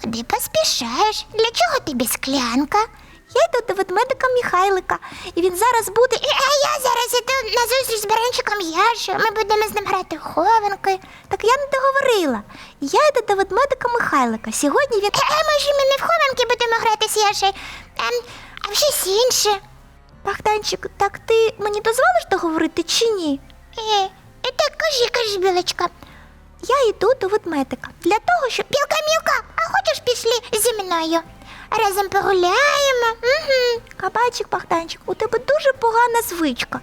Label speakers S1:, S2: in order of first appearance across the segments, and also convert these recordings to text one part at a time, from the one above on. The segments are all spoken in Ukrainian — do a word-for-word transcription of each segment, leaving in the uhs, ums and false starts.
S1: Куди поспішаєш? Для чого тобі склянка? Я йду до ведмедика Михайлика, і він зараз буде... А я зараз іду на зустріч з баранчиком Яшею. Ми будемо з ним грати в хованки. Так я не договорила. Я йду до ведмедика Михайлика. Сьогодні він... А може ми не в хованки будемо грати з Яшею, а, а в щось інше. Богданчик, так ти мені дозволиш договорити чи ні? Е, так кажи, кажи, Білочка. Я йду до ведмедика для того, щоб... Білка, Мілка, а хочеш пішли зі мною? Разом погуляємо. Угу. Кабачик, Богданчик, у тебе дуже погана звичка.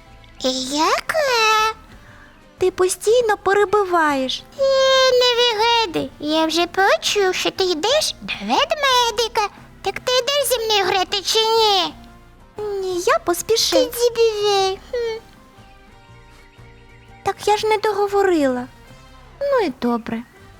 S1: Яка? Ти постійно перебиваєш. Е, не вигадуй. Я вже почув, що ти йдеш до ведмедика. Так ти йдеш зі мною грати чи ні? Ні, я поспішив. Ти дзібівей. Хм. Так я ж не договорила. Ну і добре.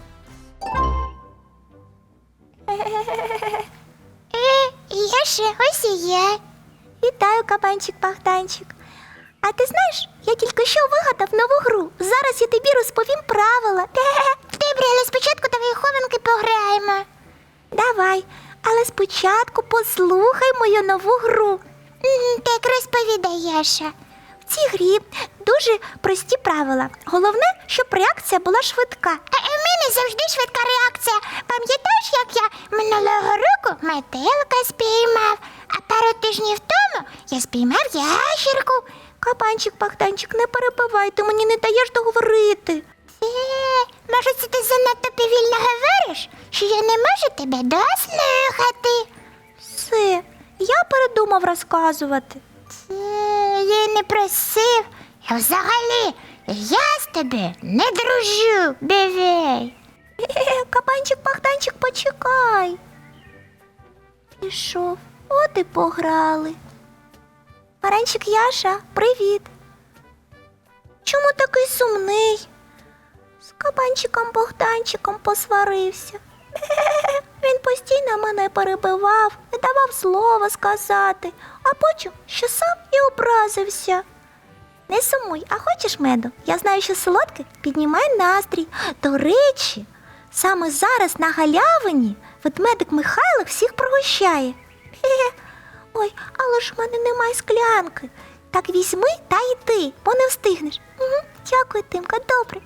S1: Е, Яша, ось і я. Вітаю, кабанчик Богданчик. А ти знаєш, я тільки що вигадав нову гру. Зараз я тобі розповім правила. Добре, але спочатку давай у хованки пограємо. Давай, але спочатку послухай мою нову гру. Так розповідай, Яша. В цій грі дуже прості правила. Головне, щоб реакція була швидка. А в мене завжди швидка реакція. Пам'ятаєш, як я минулого року метелика спіймав, а пару тижнів тому я спіймав ящерку. Кабанчик, Богданчик, не перебивай, ти мені не даєш договорити. Е, може, це ти занадто повільно говориш, що я не можу тебе дослухати? Все, я передумав розказувати. Я не просив. Я взагалі, я з тебе не дружу, бивей. Кабанчик, Богданчик, почекай. Пішов, от і пограли. Баранчик Яша, привіт. Чому такий сумний? З кабанчиком Богданчиком посварився. Він постійно мене перебивав, не давав слова сказати, а потім, що сам і образився. Не сумуй, а хочеш меду? Я знаю, що солодке піднімає настрій. До речі, саме зараз на галявині ведмедик Михайлик всіх пригощає. Хе-хе. Ой, але ж в мене немає склянки. Так візьми та йди, бо не встигнеш. Угу. Дякую, Тимка, добре.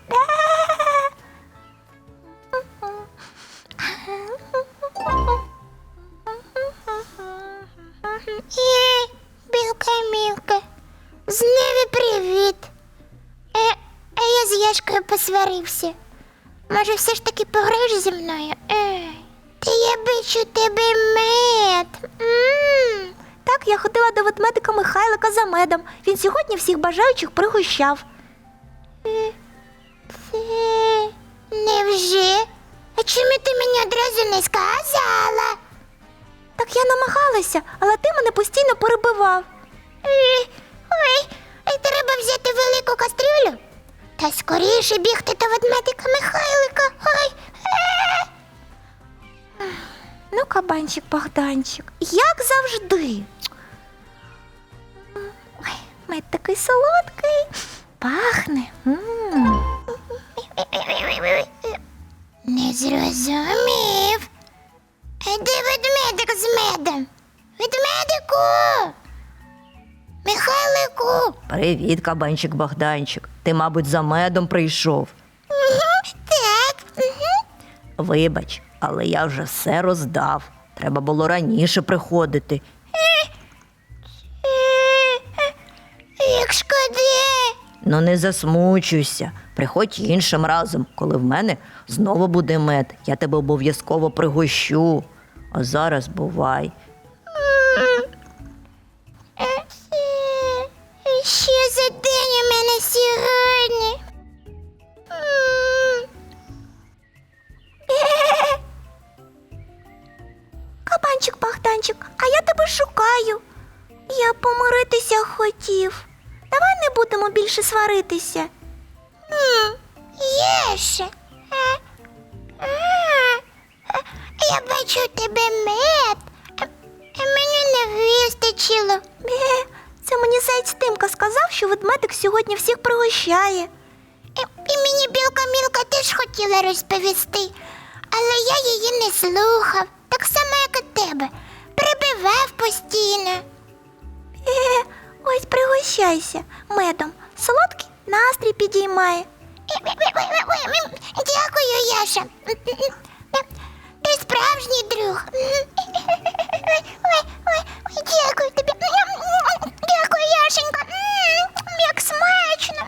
S1: Е, Білка, Мілка, знову привіт. Е, а я з Яшкою посварився. Може, все ж таки пограєш зі мною? Е, та я бачу тебе мед. М-м. Так, я ходила до ведмедика Михайлика за медом. Він сьогодні всіх бажаючих пригощав. Е, це... Невже? А чому ти мені одразу не сказала? Так я намагалася, але ти мене постійно перебивав. Ой, ой, треба взяти велику кастрюлю та скоріше бігти до ведмедика Михайлика. Ой. Е. Ну, кабанчик Богданчик, як завжди. Ой, мед такий солодкий, пахне. М-м. Не зрозумів. А де ведмедик з медом? Ведмедику! Михайлику!
S2: Привіт, кабанчик Богданчик. Ти, мабуть, за медом прийшов.
S1: Угу, так. Угу.
S2: Вибач, але я вже все роздав. Треба було раніше приходити.
S1: Як шкода.
S2: Ну не засмучуйся. Приходь іншим разом, коли в мене знову буде мед. Я тебе обов'язково пригощу. А зараз бувай.
S1: Що за день у мене сьогодні? Кабанчик Богданчик, а я тебе шукаю. Я помиритися хотів. Давай не будемо більше сваритися. Єше. Я бачу у тебе мед, а мені не вистачило. Це мені заяць Тимка сказав, що ведмедик сьогодні всіх пригощає. І, і мені білка Мілка теж хотіла розповісти, але я її не слухав, так само, як і тебе. Прибивав постійно. Е, ось пригощайся медом. Солодкий настрій підіймає. Дякую, Яша. Ти справжній друг. Ой, ой, ой, дякую тобі. Дякую, Яшенька. Як смачно.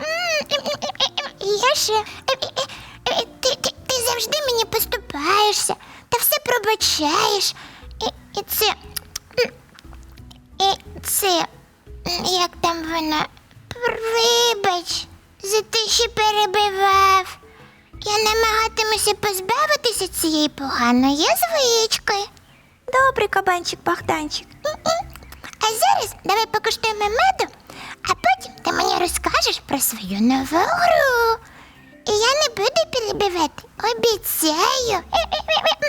S1: Яша, ти, ти, ти завжди мені поступаєшся та все пробачаєш. І, і це. І це. Як там вона? Вибач, за те, що перебивав. Я намагатимуся позбавитися цієї поганої звички. Добре, кабанчик Богданчик. А зараз давай покуштуємо меду, а потім ти мені розкажеш про свою нову гру. І я не буду перебивати, обіцяю.